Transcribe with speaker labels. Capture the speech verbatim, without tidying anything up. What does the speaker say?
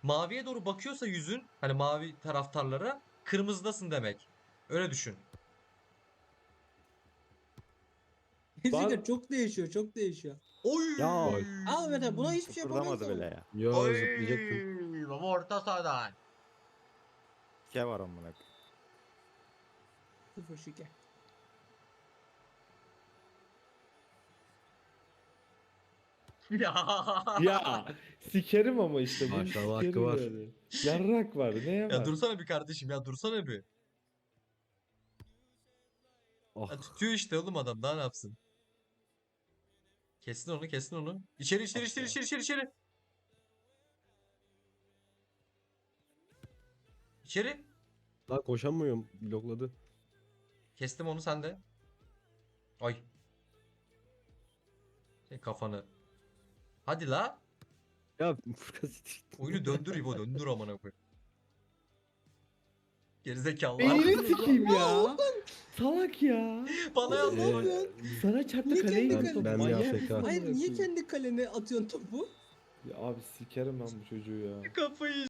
Speaker 1: Maviye doğru bakıyorsa yüzün, hani mavi taraftarlara, kırmızıdasın demek. Öyle düşün.
Speaker 2: Gerçekten
Speaker 3: Var.
Speaker 2: çok değişiyor, çok değişiyor.
Speaker 1: Oy!
Speaker 3: Ya.
Speaker 2: Aa mesela buna hiçbir şey yapamıyoruz
Speaker 4: Kıpırdamadı bile
Speaker 2: ama.
Speaker 4: ya.
Speaker 3: Yo
Speaker 1: Oy!
Speaker 3: zıplayacaktım.
Speaker 1: Baba orta sahadan.
Speaker 4: Ke var amına.
Speaker 2: Sıfır şike.
Speaker 1: Ya.
Speaker 3: Ya sikerim ama işte bunu
Speaker 5: Maşallah hakkı
Speaker 3: sikerim
Speaker 5: var.
Speaker 3: yani. Yarrak var neye
Speaker 1: Ya
Speaker 3: var?
Speaker 1: dursana bir kardeşim, ya dursana bir.
Speaker 3: Oh.
Speaker 1: Ya tutuyor işte oğlum adam, daha ne yapsın? Kestin onu, kestin onu. İçeri içeri
Speaker 3: Ah
Speaker 1: içeri
Speaker 3: be.
Speaker 1: içeri içeri içeri. İçeri.
Speaker 5: Lan koşamıyorum. Blokladı.
Speaker 1: Kestim onu, sen de. Ay. Senin kafanı. Hadi la.
Speaker 5: Ya Furkan siktir.
Speaker 1: Oyunu döndür İbo, döndür amına koyayım. Gerizekalı.
Speaker 3: Beynini sikeyim ya. Salak ya.
Speaker 1: Bana
Speaker 2: Oğlum,
Speaker 1: yazdı.
Speaker 2: ne yapıyorsun?
Speaker 3: Sana çarptı
Speaker 2: Niye
Speaker 3: kaleyi
Speaker 2: kendi
Speaker 3: tuttu.
Speaker 5: Ben- ben
Speaker 3: Manyak
Speaker 5: bir
Speaker 3: mısın
Speaker 5: A F K.
Speaker 3: amına
Speaker 2: Hayır niye
Speaker 3: koyayım?
Speaker 2: kendi kalene atıyorsun topu?
Speaker 3: Ya abi sikerim ben bu çocuğu ya.
Speaker 1: Kafayı